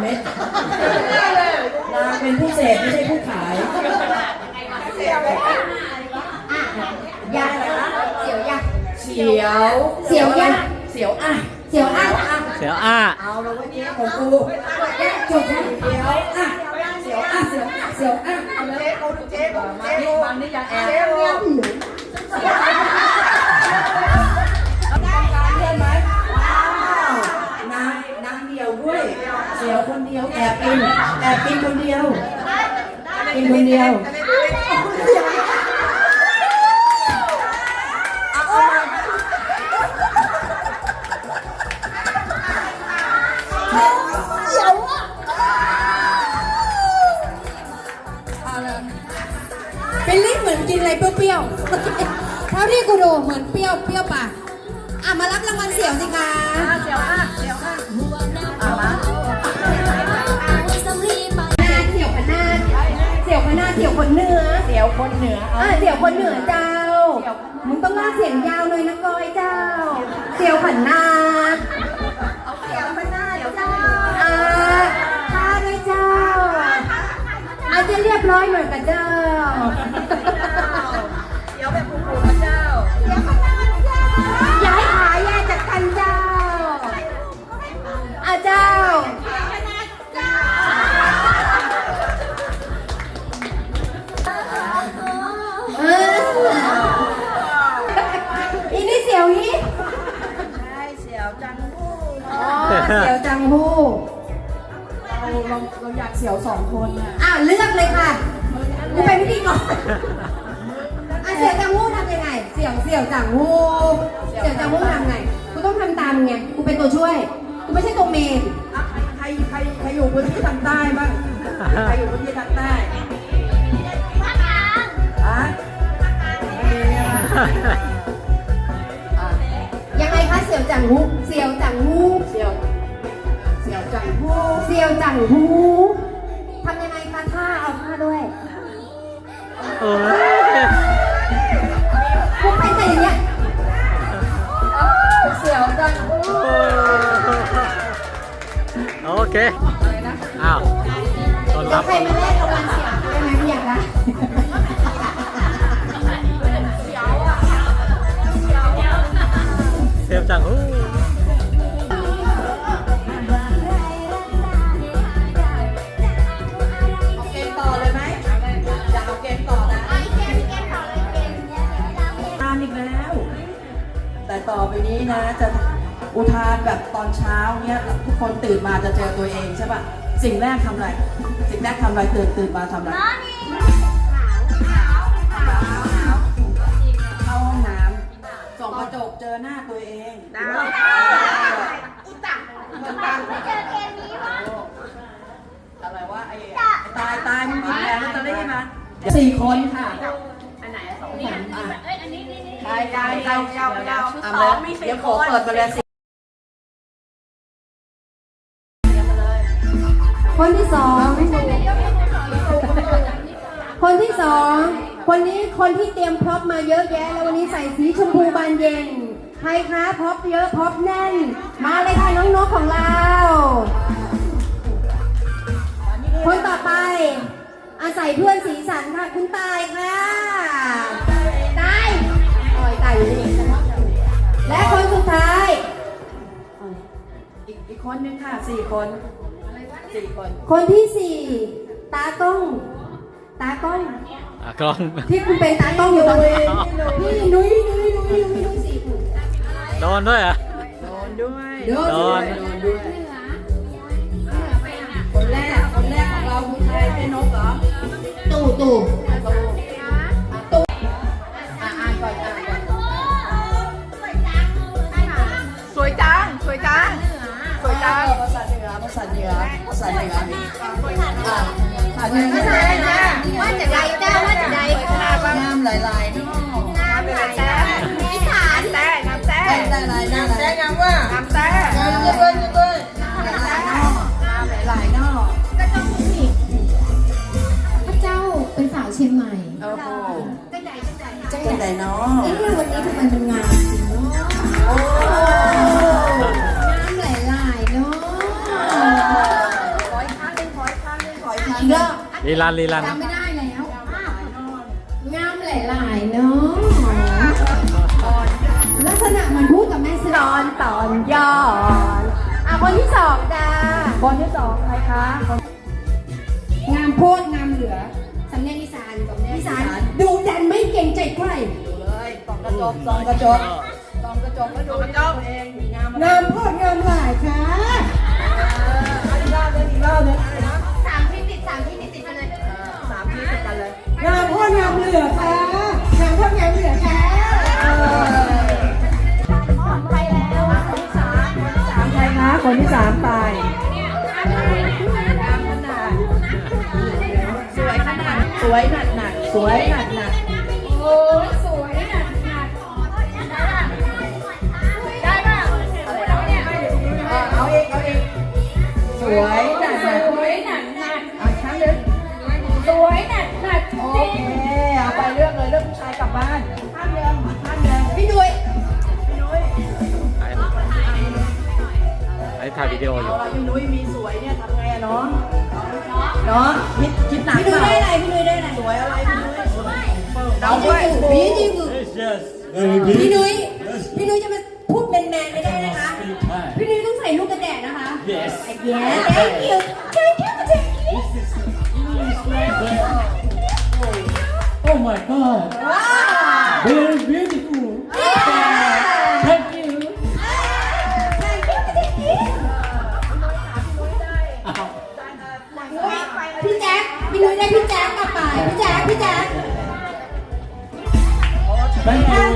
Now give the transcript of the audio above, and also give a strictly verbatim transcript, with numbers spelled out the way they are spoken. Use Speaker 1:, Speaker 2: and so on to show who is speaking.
Speaker 1: เม็ดนางเป็นผู้เสพไม่ใช่ผู้ขาย
Speaker 2: เสียวยาเสียวยา
Speaker 1: เสียว
Speaker 2: เสียวยา
Speaker 1: เสียวอ่ะ
Speaker 2: เสียวอ่ะ
Speaker 3: เสียวอ่ะ
Speaker 1: เอาแล้ววันนี้ของกู
Speaker 2: จบแล้ว
Speaker 1: เสียวอ่ะเสียวอ่ะเสียวอ่ะเสียวอ่ะเอาเลยเจ๊กูเจ๊กูมานี่มานี่ยังแอบเจ๊กูต้องการเพื่อนไหมนางนางเดียวด้วยเสียวคนเดียวแอบกินแอบกินคนเดียวกินคนเดียว
Speaker 2: เป็นลิ้นเหมือนกินอะไรเปรี้ยวๆเท่าที่กูดูเหมือนเปรี้ยวเปรี้ยวปากอ่ะมารับรางวัลเสี่ยวสิคะ
Speaker 1: เสียวอ่ะเสียวอ่ะอ่ะมา
Speaker 2: เสี่ยวขนาดเสี่ยวขนาดเสี่ยวคนเหนือ
Speaker 1: เสียวคนเหนือ
Speaker 2: อ่ะเสี่ยวคนเหนือเจ้ามึงต้องลากเสียงยาวเลยนะก้อยเจ้าเสี่ยวขันนาเอาเสี่ยวขันนาเจ้าอ่าท่าด้วยเจ้าอาจจะเรียบร้อยหน่อยกับเจ้า
Speaker 1: เสียวแบบผูกๆเจ้า
Speaker 2: เสี่ยวขันนาเจ้าย้ายขาแยกจากกันเจ้าอาเจ้าเอออีนี่เสี่ยวนี้
Speaker 1: ใช่เสียวจังหู้
Speaker 2: อ๋อเสี่ยวจังหู้
Speaker 1: เราเราเราอยากเสียวสองคนอ่ะ
Speaker 2: อ้าวเลือกเลยค่ะกูเป็นพิธีกรอ่ะเสี่ยวจังหู้ทำยังไงเสี่ยวเสี่ยวจังหู้เสี่ยวจังหู้ทำไงกูต้องทำตามไงกูเป็นตัวช่วยกูไม่ใช่ตัวเมน
Speaker 1: ใครใครใครอยู่พื้นที่ทางใต้บ้างใครอยู่พื้นที่ทางใต้อะ
Speaker 2: ยังไงคะเสี่ยวจังหู้เสี่ยวจังหู้
Speaker 1: เสียวเสียวจังหู้
Speaker 2: เสี่ยวจังหู้ทำยังไงคะท่าเอาท่าด้วย
Speaker 3: โอ้ย
Speaker 2: กูเป็นแต่อย่างเงี้ย
Speaker 1: เสียวจังหู้
Speaker 3: โอเคอ้าวต้อนรับ
Speaker 2: ใครมาแลกรางวัลเสี่ยวได้ไหมไม่อยากได้
Speaker 3: เสียวจังหู้
Speaker 1: เอาเกมต่อเลยไหมอยากเอาเกมต่อนะทานอีกแล้ว แต่ต่อไปนี้นะจะอุทานแบบตอนเช้าเนี้ยทุกคนตื่นมาจะเจอตัวเองใช่ป่ะสิ่งแรกทำอะไรสิ่งแรกทำอะไรตื่นตื่นมาทำอะไรเข้าห้องน้ำส่องกระจกเจอหน้าตัวเองอะไรวะไอ้ตายตายมึงหยิบแผงลอตเตอรี่มาสี่คนค่ะอันไหนสองคนเอ้ยอันนี้นี่นี่ตายตายเราเราเราสองมีสี่คนเดี๋ยวขอเปิดมาเลยสิ
Speaker 2: คนที่สองคนที่สองคนนี้คนที่เตรียมพร็อพมาเยอะแยะแล้ววันนี้ใส่สีชมพูบานเย็นใครคะพร็อพเยอะพร็อพแน่นมาเลยค่ะน้องนกของเราคนต่อไปอาศัยเพื่อนสีสันค่ะคุณตายค่ะตายอ๋อตายอยู่นี่และคนสุดท้าย
Speaker 1: อีกอีกคนนึงค่ะสี่คนสี่คน
Speaker 2: คนที่สี่ตากล้องตากล้อง
Speaker 3: ตากล้อง
Speaker 2: ที่คุณเป็นตากล้องอยู่ตรงนี้นี่นุ้ยนุ้ยนุ้ยนุ้ยนุ้ยสี่คน
Speaker 3: โดนด้วยอ่ะ
Speaker 1: โดนด้วย
Speaker 2: โดนด้วยโดนด้วย
Speaker 1: คนแรกคนแรกของเราคือใครเป็นนกเหรอ
Speaker 2: ตู่ตู่
Speaker 1: ตู่ตู่อ่านอ่านก่อนอ่านก่อนสวยจังสวยจังสวยจังภาษาเหนือภาษาเหนือภาษาเหนืออ่าภาษาเหนือ
Speaker 2: ว่าจะใดเจ้าว่าจะใด
Speaker 1: น้ำหลายๆน้ำหลายๆน้ำ
Speaker 2: อีสานแต่น้ำแต่
Speaker 1: น้ำหลายๆน้ำแต่น้ำว่าน้ำแต่น้ำเยอะเลยเยอะเลยน้ำหลายๆน้ำหลายๆนอก
Speaker 2: ก็ต้องมีพระเจ้าเป็นสาวเชียงใหม่
Speaker 1: โอ้โห
Speaker 2: จังใดจังใด
Speaker 1: จังใดเนาะ
Speaker 2: เอ๊ะวันนี้ทำไมเป็นงานจริงเนาะน้ำหลายๆเนาะ
Speaker 3: ลีลันลีลัน
Speaker 2: จำไม่ได้แล้วงามหลายๆเนาะลักษณะมันพูดกับแม่ซื้อตอนตอนย้อนอ่ะคนที่สองจ้า
Speaker 1: คนที่สองใครคะ
Speaker 2: งามโพดงามเหลือสำเนียงอีสานสำเนียงอีสานดูดันไม่เก่งใจใคร
Speaker 1: ดูเลยส่องกระจกส่องกระจกส่องกระจกแล้วดูตัวเองงาม
Speaker 2: งามโพดงามหลายค่ะ
Speaker 1: อีกรอบนึงอีกรอบนึง
Speaker 2: สามที่ติดสามที่ติดติดกันเลย
Speaker 1: สามที่ติดกันเลย
Speaker 2: งามโพดงามเหลือค่ะงามโพดงามเหลือค่ะไปแล้วคนที่สามคนที่สาม
Speaker 1: ใครคะคนที่สามตายสวยขนาดสวยหนักหนักสวยหนักหนัก
Speaker 2: โอ้ยสวยหนักหนักได้ป่ะอะไรแล้วเนี่ย
Speaker 1: เอาเองเอาเองสวยหนักหนัก
Speaker 2: สวยหนักหนัก
Speaker 1: เอาครั้งนึง
Speaker 2: สวยหนักหนัก
Speaker 1: โอเคเอาไปเรื่องเลยเรื่องผู้ชายกลับบ้านห้ามเดินห้ามเดิน
Speaker 2: พี่ดุย
Speaker 1: พี่นุ้ย
Speaker 3: ไอ้ถ่ายวิดีโออยู่
Speaker 1: เราพี่นุ้ยมีสวยเนี่ยทำไงอะน้องน้องคิดคิดหนัก
Speaker 2: พี่ดุยได้อะไรพี่ดุยได้อะไร
Speaker 1: สวยอะไรพี่นุ้ยเราด้วย
Speaker 2: พี่จริง
Speaker 4: Yes, very good.
Speaker 2: พี่นุ้ยพี่นุ้ยจะมาพูดแมนๆไม่ได้นะคะ พี่นุ้ยต้องใส่ลูกกระแดดนะคะ
Speaker 4: Yes.
Speaker 2: Yeah thank you thank you thank you
Speaker 4: Oh my God.
Speaker 2: ว้าว
Speaker 4: Very beautiful.
Speaker 2: Yeah
Speaker 4: Thank you.
Speaker 2: thank you thank you พี่แจ๊คพี่นุ้ยได้พี่แจ๊คกลับไปพี่แจ๊คพี่แจ๊ค
Speaker 4: Thank you.